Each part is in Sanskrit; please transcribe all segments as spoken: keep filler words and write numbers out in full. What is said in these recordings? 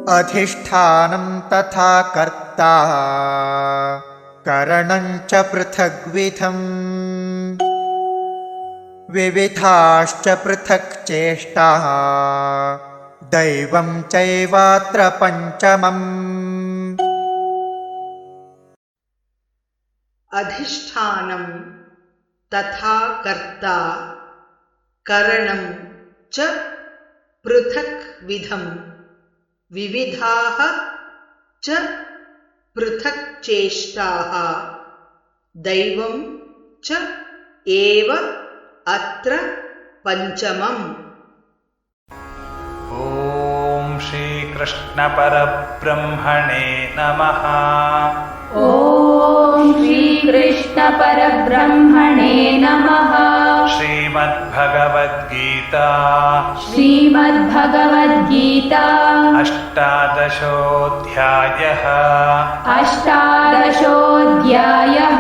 अधिष्ठानं तथा कर्ता करणं च पृथग्विधम् विविधाश्च पृथक् चेष्टाः दैवं चैवात्र पञ्चमम्। अधिष्ठानं तथा कर्ता करणं च पृथक् विधम् विविधाः च पृथक् चेष्टाः दैवं च एव अत्र पञ्चमम्। ॐ श्री कृष्ण परब्रह्मणे नमः। ॐ श्री कृष्ण परब्रह्मणे नमः। श्रीमद्भगवद्गीता श्रीमद्भगवद्गीता अष्टादशोऽध्यायः अष्टादशोऽध्यायः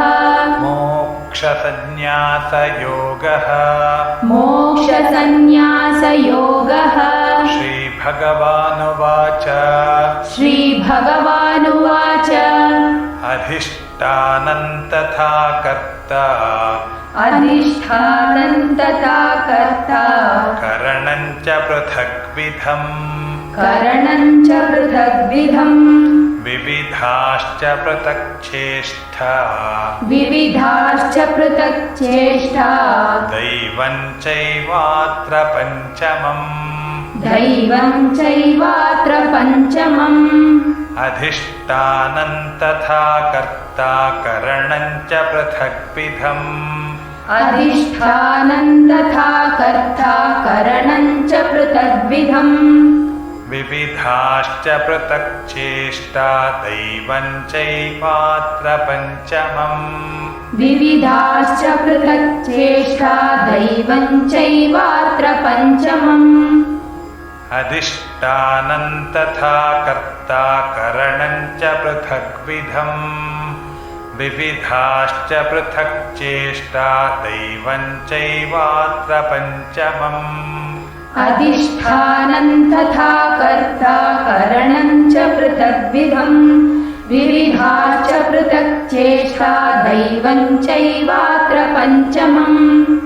मोक्षसंन्यासयोगः मोक्षसंन्यासयोगः। श्रीभगवानुवाच श्रीभगवानुवाच अधिष्ठानं तथा कर्ता अधिष्ठानं तथा कर्ता करणं च पृथग्विधम् करणं च पृथग्विधम् विविधाश्च पृथक् चेष्टा विविधाश्च पृथक् चेष्टा दैवं चैवात्र पञ्चमम् दैवं चैवात्र पञ्चमम्। अधिष्ठानं तथा कर्ता करणं च पृथग्विधम् अधिष्ठानं तथा कर्ता करणं च पृथग्विधम् विविधाश्च पृथक् चेष्टा दैवं चैवात्र पञ्चमम् विविधाश्च पृथक् चेष्टा दैवं चैवात्र पञ्चमम्। अधिष्ठानं तथा कर्ता करणं च पृथग्विधम् विविधाश्च पृथक् चेष्टा दैवं चैवात्र पञ्चमम्। अधिष्ठानं तथा कर्ता करणं च पृथग्विधम् विविधाश्च पृथक् चेष्टा दैवं चैवात्र पञ्चमम्।